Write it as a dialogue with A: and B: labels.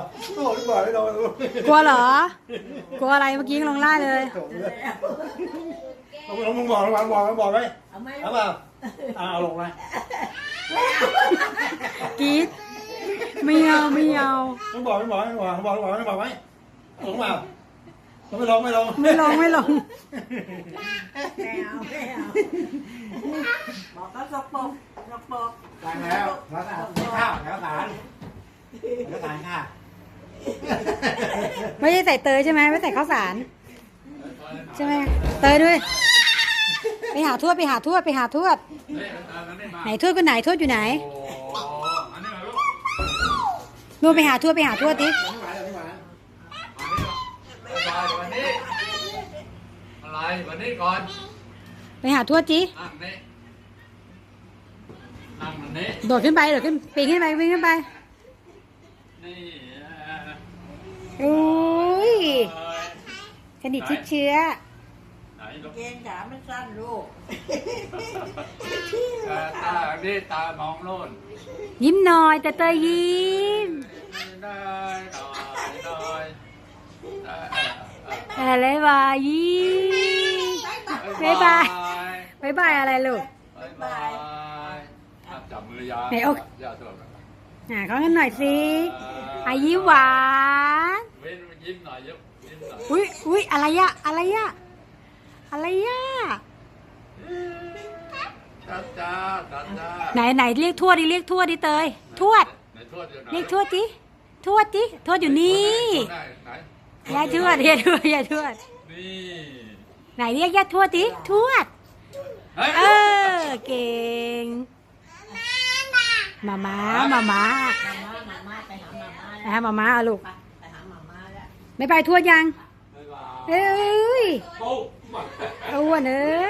A: โอ้ดีกว่าไม่โดน
B: กลัวเหรอ กลัวอะไรเมื่อกี้ยังลงล่าเลย
A: มึงบอกไหม
C: เอาไหม
A: เอาเปล่าเอาลงไหม
B: กรี๊ดไม่เอาไม่เอา
A: มึงบอกไหมลงเปล่าไม่ลง
B: ไม่ลงไม่ลง
C: ไม่เอาบอกก็สกปรก
A: ล้างแล้วข้าวแล้วสารค่ะ
B: ไม่ใช่ใส่เตยใช่ไหมไม่ใส่ข้าวสารใช่ไหมเตยด้วยไปหาทวดไหนทวดคนไหนทวดอยู่ไหนนู่นไปหาทวดดิ
D: อะไรวันนี้ก่อน
B: ไปหาทวดจิ
D: นั่งวันนี้
B: โดดขึ้นปีนขึ้นไปวิ่งขึ้นไป
D: นี่
B: อุ้ยสนิทชิดเชื้อ
D: ไหนลูก
C: เกงขาไม่สั้นลูก
D: ตาดิตามองโน่น
B: ยิ้มหน่อยแต่เตยยิ้ม
D: ได้
B: อะไรบายยิ้มบ๊ายบายบ๊ายบายอะไรลูก
D: บายจับมือยา
B: ไหนอก
D: ยาตัว
B: เขากันหน่อยสิอายิ้มหวาน
D: เว้นยิ้มหน่อยยิ้มหน่อย
B: อุ้ยอะไรอะอะไรอะอะไรอะ
D: จ้า
B: ไหนเรียกทวดดิเตยทวด
D: ไหนทวดอยู่ไหน
B: เรียกทวดดิทวดอยู่นี่
D: ไหน
B: ยายทวด
D: นี่
B: ไหนเรียกยายทวดดิทวดเก่งมาม้า
C: มาม่าไปหามาม่าแล้ว
B: เอาลูก
C: ไปหามาม่าแล้ว
B: ไม่ไปทวดยัง
D: บ๊ายบาย
B: เอ้ย
D: ปุ๊บ
B: อ้วนเอ้